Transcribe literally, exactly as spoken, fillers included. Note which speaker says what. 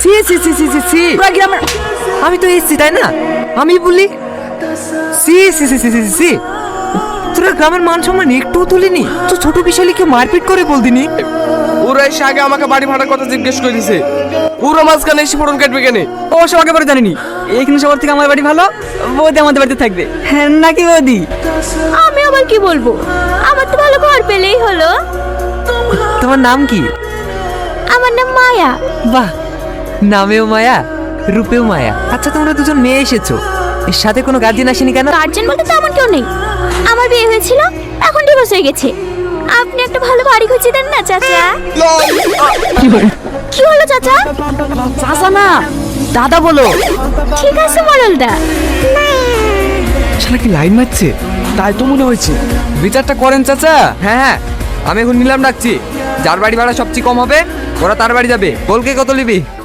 Speaker 1: C সি সি সি সি সি পুরা গ্রামের আমি তো এসছি তাই না, আমি বলি সি সি সি সি সি সি তোরা গ্রামের মান সম্মান একটু তুলিনি তো ছোট বিশালীকে মারপিট করে বলদিনি।
Speaker 2: ওরা এসে আগে আমাকে বাড়ি ভাড়ার কথা জিজ্ঞেস করে দিছে, ওরা মাঝখানে এসে ফোড়ন কাটবে কেন?
Speaker 3: ও সব আগে পরে জানিনি, এইখানে সবার থেকে আমার বাড়ি ভালো, বৌদি আমাদের বাড়িতে থাকবে, হ্যাঁ নাকি বৌদি?
Speaker 4: আমি আবার কি বলবো, আমার তো ভালো ঘর পেলেই হলো।
Speaker 1: তোমার নাম কি?
Speaker 4: আমার নাম মায়া।
Speaker 1: বাহ, নামেও মায়া রূপেও মায়া। আচ্ছা তোমরা দুজন মেয়ে এসেছো, এর সাথে কোনো গার্জিয়ান আসেনি কেন?
Speaker 4: গার্জেন বলতে তেমন কেউ নেই, আমার বিয়ে হয়েছিল এখন ডিভোর্স হয়ে গেছে। আপনি একটা ভালো বাড়ি খুঁজে দেন না চাচা। কি হলো চাচা?
Speaker 3: চাচা না দাদা বলো।
Speaker 4: ঠিক আছে মরলদা।
Speaker 2: শালা কি লাইন মারছে? তাই তো মনে হয়েছে।
Speaker 1: বিচারটা করেন চাচা। হ্যাঁ হ্যাঁ, আমি এখন নিলাম ডাকছি, যার বাড়ি ভাড়া সবচেয়ে কম হবে ওরা তার বাড়ি যাবে। বলকে কত নিবি?